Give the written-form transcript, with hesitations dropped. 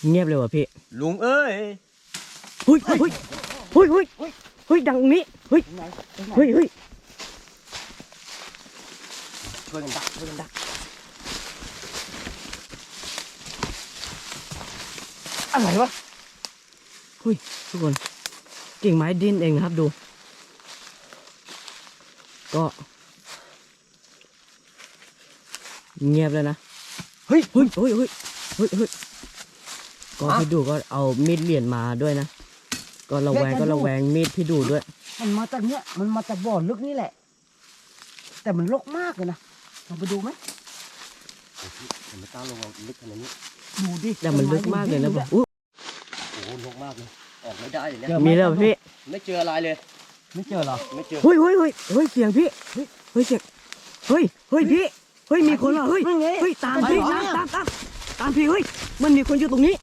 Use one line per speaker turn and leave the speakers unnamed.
เงียบเลยว่ะพี่
ลุงเอ้ย
เฮ้ยเฮ้ยเฮ้ยเฮ้ยเฮ้ยดังนี้เฮ้ยเฮ้ยเฮ้ย
ช่วยกันดักช่วยกันดักอะไรวะ
เฮ้ยทุกคนกิ่งไม้ดิ้นเองนะครับดูก็เงียบเลยนะเฮ้ยเฮ้ยเฮ้ยเฮ้ยเฮ้ยเฮ้ยก็พี่ดูก็เอามีดเหรียญมาด้วยนะก็ระแวงมีดพี่ดูด้วย
มันมาจากเนี้ยมันมาจากบ่อลึกนี่แหละ แต่มันรกมากเลยนะลองไปดูไหม
ผมไม่กล้าลงลึกขนาดนี้
ดูดิ
แต่มันลึกมากเลยนะผมอุ๊ย
โอ้โหลงมากเลยออกไม่ได้เลย
เจ
เนี่ย
อไห
มีแล้วพี่
ไม่เจออะไรเลย
ไม่เจอเหรอ
ไม่เจอ
เฮ้ยเฮ้ยเฮ้ยเฮ้ยเสียงพี่เฮ้ยเฮ้ยเสียงเฮ้ยเฮ้ยพี่เฮ้ยมีคนว่ะเฮ้ย
นั่นไง
เฮ้ยตามพี่ตามพี่เฮ้ยมันมีคนอยู่ตรงนี้